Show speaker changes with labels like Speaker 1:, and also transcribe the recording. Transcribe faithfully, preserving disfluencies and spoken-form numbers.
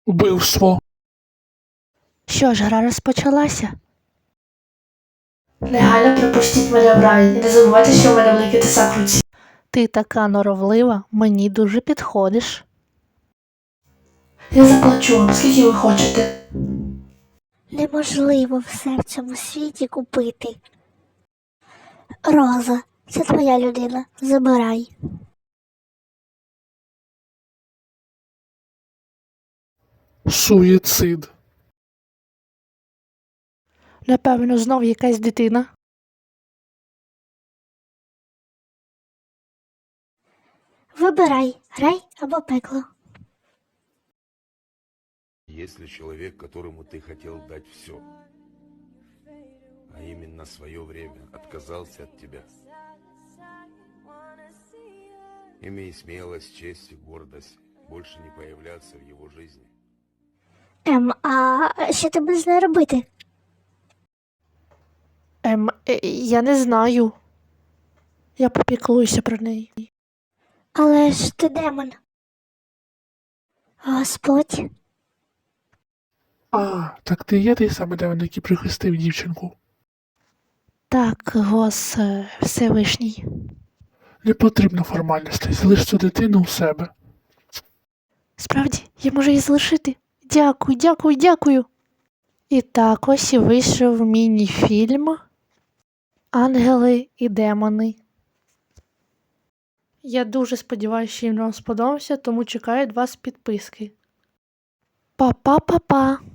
Speaker 1: Убивство.
Speaker 2: Що ж, гра розпочалася?
Speaker 3: Негайно пропустіть мене в рай. І не забувайте, що в мене великий тесак в руці.
Speaker 2: Ти така норовлива, мені дуже підходиш.
Speaker 3: Я заплачу вам, скільки ви хочете.
Speaker 4: Неможливо все в цьому світі купити. Роза, це твоя людина, забирай.
Speaker 1: Суїцид.
Speaker 2: Напевно, знов якась дитина.
Speaker 4: Вибирай, рай або пекло.
Speaker 5: Если человек, которому ты хотел дать все, а именно свое время, отказался от тебя, имей смелость, честь и гордость больше не появляться в его жизни.
Speaker 4: Ем, а що ти будеш з нею робити?
Speaker 2: Ем, е, я не знаю. Я попіклуюся про неї.
Speaker 4: Але ж ти демон. Господь.
Speaker 1: А, так ти є той самий демон, який прихистив дівчинку.
Speaker 2: Так, гос е, Всевишній.
Speaker 1: Не потрібно формальностей, залиш цю дитину у себе.
Speaker 2: Справді, я можу її залишити. Дякую, дякую, дякую. І так ось і вийшов міні-фільм «Ангели і демони». Я дуже сподіваюся, що він вам сподобався, тому чекаю від вас підписки. Па-па-па-па!